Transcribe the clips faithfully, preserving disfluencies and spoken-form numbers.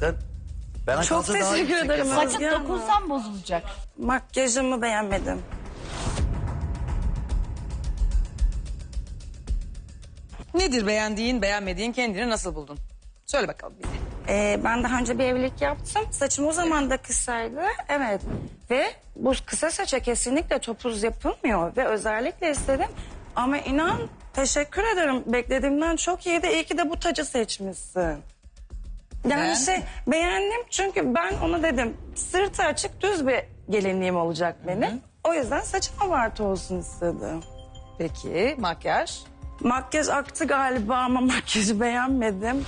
zaten. Bana Çok kalsa daha teşekkür yüksek ederim. yaparım. Özge Saçın Hanım. dokunsam bozulacak. Makyajımı beğenmedim. Nedir beğendiğin, beğenmediğin, kendini nasıl buldun? Söyle bakalım bize. Ee, ben daha önce bir evlilik yaptım. Saçım o zaman da kısaydı. Evet. Ve bu kısa saça kesinlikle topuz yapılmıyor. Ve özellikle istedim. Ama inan teşekkür ederim. Beklediğimden çok iyiydi. İyi ki de bu tacı seçmişsin. Yani Beğendin şey mi? beğendim çünkü ben ona dedim sırtı açık düz bir gelinliğim olacak benim. O yüzden saçım abartı olsun istedim. Peki makyaj? Makyaj aktı galiba ama makyajı beğenmedim.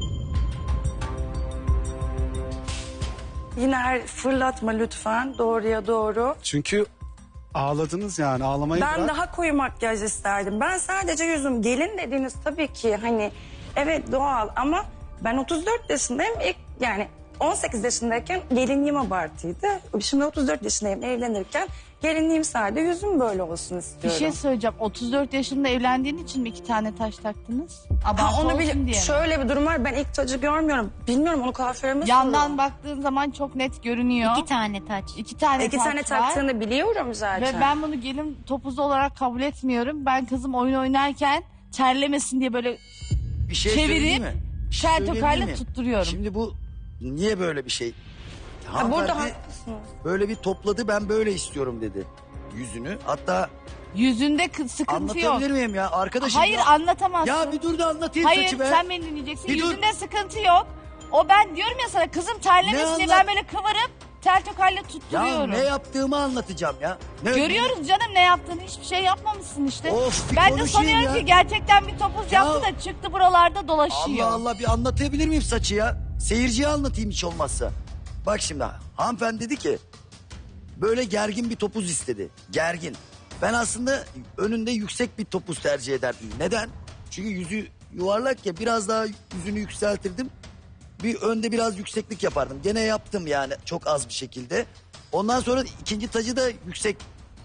Yine her fırlatma lütfen doğruya doğru. Çünkü ağladınız yani ağlamayı Ben bırak. daha koyu makyaj isterdim. Ben sadece yüzüm gelin dediğiniz tabii ki hani evet doğal ama ben otuz dört yaşındayım. İlk yani on sekiz yaşındayken gelinliğim abartıydı. Şimdi otuz dört yaşındayım evlenirken gelinliğim sadece yüzüm böyle olsun Bir istiyorum. şey söyleyeceğim. otuz dört yaşında evlendiğin için mi iki tane taş taktınız? Abartı Ha, onu olsun bile, diye mi? şöyle bir durum var. Ben ilk tacı görmüyorum. Bilmiyorum onu kuaförüme Yandan sorun. baktığın zaman çok net görünüyor. İki tane taç. İki tane İki taç tane var. taktığını biliyorum zaten. Ve ben bunu gelin topuzu olarak kabul etmiyorum. Ben kızım oyun oynarken terlemesin diye böyle Bir şey çevirip söyleyeyim mi? Bir şey şer söyleyeyim tokayla mi? tutturuyorum. Şimdi bu niye böyle bir şey? Ha, burada Hanımefendi haklısınız. böyle bir topladı, ben böyle istiyorum dedi yüzünü. Hatta Yüzünde kı- sıkıntı yok. anlatabilir miyim ya arkadaşım? Hayır ya, anlatamazsın. ya bir dur da anlatayım Hayır saçı be. sen beni dinleyeceksin. Bir dur. Yüzünde sıkıntı yok. O ben diyorum ya sana kızım terlemesin Ne diye anlat- ben böyle kıvırıp tel tokayla Ya tutturuyorum. ne yaptığımı anlatacağım ya. Ne, Görüyoruz canım ne yaptığını, hiçbir şey yapmamışsın işte. Of, bir ben de konuşayım sanıyorum ya. ki gerçekten bir topuz Ya. yaptı da çıktı buralarda dolaşıyor. Allah Allah, bir anlatabilir miyim saçı ya? Seyirciye anlatayım hiç olmazsa. Bak şimdi hanımefendi dedi ki böyle gergin bir topuz istedi. Gergin. Ben aslında önünde yüksek bir topuz tercih ederdim. Neden? Çünkü yüzü yuvarlak ya, biraz daha yüzünü yükseltirdim. Bir önde biraz yükseklik yapardım. Gene yaptım yani çok az bir şekilde. Ondan sonra ikinci tacı da yüksek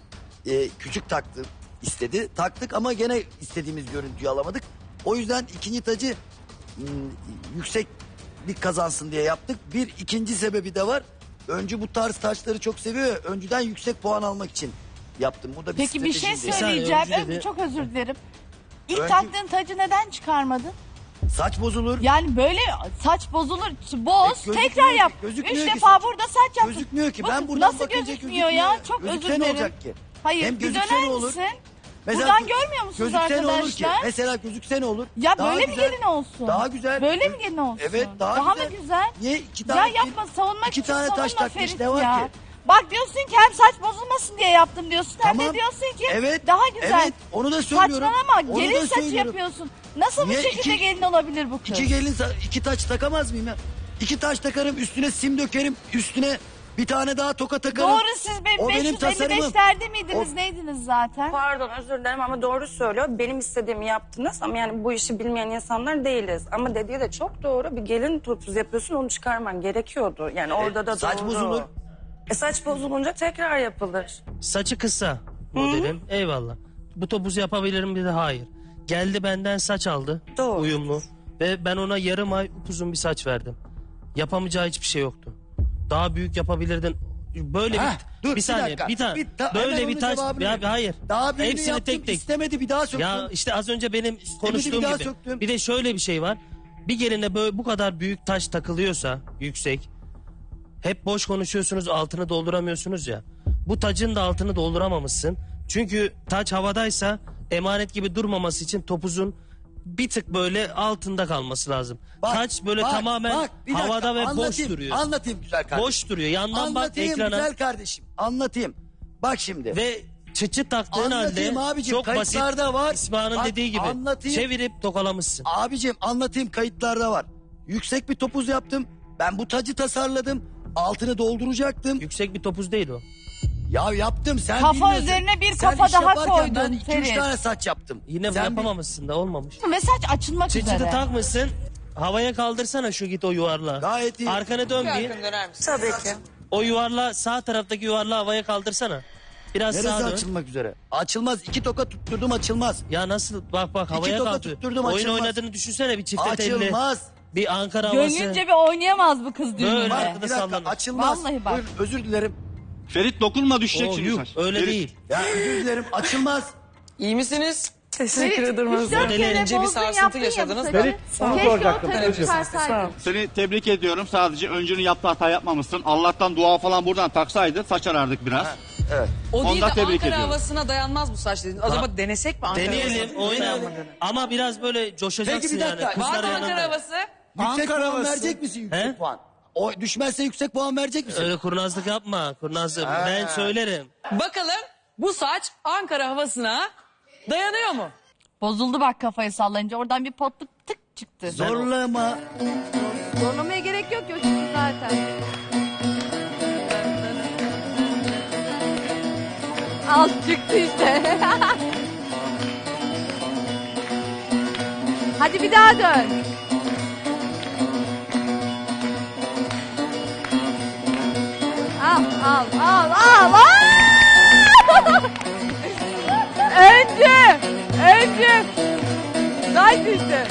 e, küçük taktı istedi. Taktık ama gene istediğimiz görüntüyü alamadık. O yüzden ikinci tacı m, yüksek bir kazansın diye yaptık. Bir ikinci sebebi de var. Öncü bu tarz taşları çok seviyor ya, öncüden yüksek puan almak için yaptım. Bu da bir Peki bir şey stratejiydi. söyleyeceğim. öncü dedi. Ö- Çok özür dilerim. İlk Öncü- taktığın tacı neden çıkarmadın? Saç bozulur. Yani böyle saç bozulur, boz, E, gözükmüyor tekrar ki, yap. gözükmüyor Üç ki defa saç. burada saç yaptın. Gözükmüyor ki. Bu Ben buradan nasıl bakınca gözükmüyor ya? gözükmüyor. Çok Gözükse özür ne dilerim. olacak ki? Hayır Hem bir gözükse döner ne olur? misin? Mesela Buradan gö- görmüyor musunuz gözükse ne olur ki? arkadaşlar? Mesela gözükse ne olur? Ya Daha böyle mi güzel. gelin olsun? Daha güzel. Böyle mi gelin olsun? Evet, daha mı güzel. güzel? Niye iki Ya tane? yapma savunmak iki için tane savunma taş takmış, Ferit ne var ya. ki? Bak diyorsun ki hem saç bozulmasın diye yaptım diyorsun hem Tamam. de diyorsun ki Evet, daha güzel. evet, onu da söylüyorum. Saçmalama Onu gelin da saçı söylüyorum. yapıyorsun. Nasıl Niye bu şekilde iki- gelin olabilir bu kız? İki gelin sa- iki taç takamaz mıyım ya? İki taç takarım, üstüne sim dökerim, üstüne bir tane daha toka takarım. Doğru siz benim O benim beş yüz elli beş tasarımım. derdi miydiniz O- neydiniz zaten? Pardon özür dilerim ama doğru söylüyor. Benim istediğimi yaptınız ama yani bu işi bilmeyen insanlar değiliz. Ama dediği de çok doğru. Bir gelin topuz yapıyorsun onu çıkarman gerekiyordu. Yani orada da E, saç doğru. bozulur. E saç bozulunca tekrar yapılır. Saçı kısa modelim. Eyvallah. Bu topuzu yapabilirim dedi. Hayır. Geldi benden saç aldı. Doğru. Uyumlu. Ve ben ona yarım ay uzun bir saç verdim. Yapamayacağı hiçbir şey yoktu. Daha büyük yapabilirdin. Böyle Heh, bir dur, bir saniye dakika. bir tane Bir ta- hemen böyle onun bir taç cevabını ya vereyim. hayır. Daha birini Hepsini yaptım, tek tek. istemedi, bir daha söktüm. Ya işte az önce benim konuştuğum bir daha gibi. söktüm. Bir de şöyle bir şey var. Bir geline böyle bu kadar büyük taş takılıyorsa yüksek. Hep boş konuşuyorsunuz, altını dolduramıyorsunuz ya. Bu tacın da altını dolduramamışsın. Çünkü taç havadaysa emanet gibi durmaması için topuzun bir tık böyle altında kalması lazım. Bak, taç böyle bak, tamamen bak, bir dakika, havada ve boş anlatayım, duruyor. Anlatayım güzel kardeşim. Boş duruyor. Yandan bak Anlatayım ekrana güzel kardeşim. Anlatayım. Bak şimdi. ve çıçı taktığın Anlatayım halde abicim, çok basit. kayıtlarda var. İsmail'in Bak, dediği gibi anlatayım. çevirip tokalamışsın. Abicim anlatayım, kayıtlarda var. Yüksek bir topuz yaptım. Ben bu tacı tasarladım. Altını dolduracaktım. Yüksek bir topuz değil o. Ya yaptım, sen Kafa bilmiyorsun. üzerine bir Sen kafa iş daha yaparken koydun, Ben iki üç Ferit. tane saç yaptım. Yine Sen yapamamışsın da olmamış. Ve saç açılmak Çıçıtı üzere. takmışsın. Havaya kaldırsana şu git o yuvarlağı. Gayet iyi. Arkana dön bir. Arkanı döner misin? Tabii ki. O yuvarlağı sağ taraftaki yuvarlağı havaya kaldırsana. Biraz Neresi sağa dön. açılmak üzere? Açılmaz. İki toka tutturdum, açılmaz. Ya nasıl bak bak havaya toka kaldı. tutturdum, Oyun açılmaz. oynadığını düşünsene bir çifte telli. Açılmaz. Bir Ankara havası. Gönlünce bir oynayamaz bu kız Böyle. düğününde. Bak Arkada bir dakika sallanır. açılmaz. Vallahi bak. Buyurun, özür dilerim. Ferit dokunma düşecek Oo, şimdi yuh, saç. öyle Ferit. değil. Ya özür dilerim açılmaz. İyi misiniz? Teşekkür ederim. Üç dört kere Önce bir bozdun, sarsıntı yaptın ya bu yaşadınız saçı. da. Ferit, onu Keşke o soracaktım. taşı Evet. çıkarsaydın. Seni tebrik ediyorum. Sadece öncünün yaptığı hata yapmamışsın. Allah'tan dua falan buradan taksaydı saç arardık biraz. Evet. O değil Ondan de tebrik Ankara ediyorum. havasına dayanmaz bu saç dedin. Acaba denesek mi Ankara Deneyelim, havasını? oynayalım. Ama biraz böyle coşacaksın Peki bir dakika, yani. Var Kızlar mı Ankara yanında. havası? Yüksek Ankara puan havası. verecek misin yüksek He? puan? O düşmezse yüksek puan verecek misin? Öyle kurnazlık yapma. Kurnazlık. Ben söylerim. Bakalım bu saç Ankara havasına dayanıyor mu? Bozuldu bak kafayı sallayınca. Oradan bir potluk tık çıktı. Zorlama. Zorlamaya gerek yok ya çünkü zaten. Al çıktı işte. Hadi bir daha dön. Al al al al al. Öncü. Öncü. Saç düştü.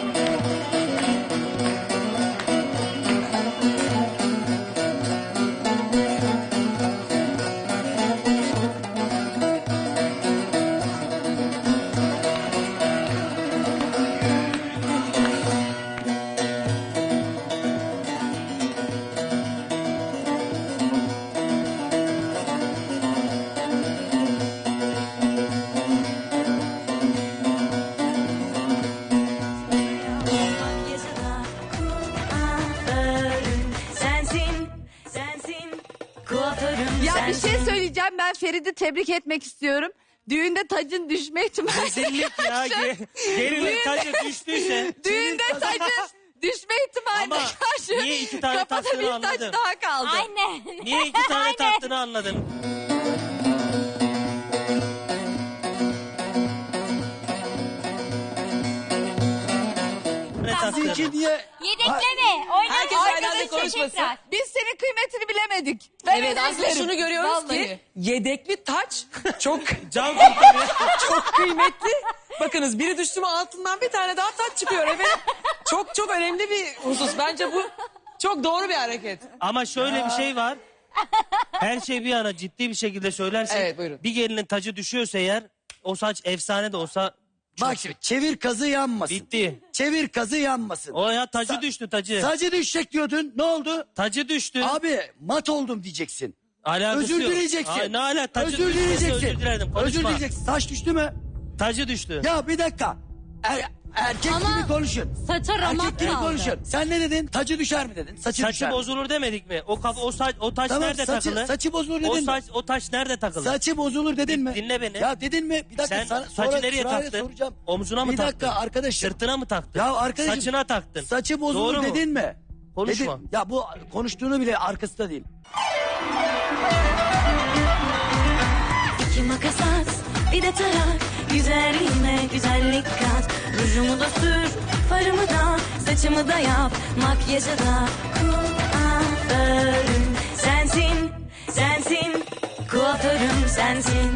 Sensin, sensin, kuaförüm Ya bir sensin. şey söyleyeceğim. Ben Ferit'i tebrik etmek istiyorum. Düğünde tacın düşme ihtimali. Rezillik ya. Gelinin tacı düştüyse. Düğünde tacın düşme ihtimaline Ama karşı niye iki tane kafada taktığını bir taç anladım. daha kaldı. Aynen. Niye iki tane taktığını anladım. Ne taktığını. Sizinki niye? Yedekleme, oyna. Herkes aynı anda Arkadaşlar konuşmasın. tekrar. Biz senin kıymetini bilemedik. Ben Evet özür aslında dilerim. şunu görüyoruz Vallahi. ki yedekli taç çok Can kurtarıyor. çok kıymetli. Bakınız biri düştü mü altından bir tane daha taç çıkıyor. Evet. Çok çok önemli bir husus. Bence bu çok doğru bir hareket. Ama şöyle bir şey var. Her şey bir yana ciddi bir şekilde söylersek. Evet, buyurun. Bir gelinin tacı düşüyorsa eğer o saç efsane de olsa çok Bak şimdi çevir kazı yanmasın. bitti. Çevir kazı yanmasın. O ya tacı Sa- düştü tacı. Sacı düşecek diyordun. Ne oldu? Tacı düştü. Abi mat oldum diyeceksin. Alakası Özür yok. dileyeceksin. Ay, ne ala tacı özür düştüyse dileyeceksin. özür dilerim. Konuşma. Özür dileyeceksin. Saç düştü mü? Tacı düştü. Ya bir dakika. Er- erkek Ama gibi konuşun. saça ramak Erkek gibi kaldı. konuşun. Sen ne dedin? Tacı düşer mi dedin? Saçı, düşer Saçı mi? bozulur demedik mi? O kafa o saç o taç Tamam, nerede saçı- takılı? saçı bozulur dedin o mi? saç o taç nerede takılı? Saçı bozulur dedin mi? Dinle beni. Ya dedin mi? Bir dakika Sen sana, saçı sonra nereye sırayla taktın? soracağım. Omzuna mı bir taktın? dakika arkadaşım. Sırtına mı taktın? Ya arkadaşım. Saçına taktın. Saçı bozulur Doğru mu? dedin mi? Konuşma. Dedin. Ya bu konuştuğunu bile arkasında değil. İki makas at, bir de tarak. Güzelliğime güzellik kat. Rujumu da sür, farımı da, saçımı da yap. Makyajı da kuaförüm sensin, sensin. Kuaförüm sensin.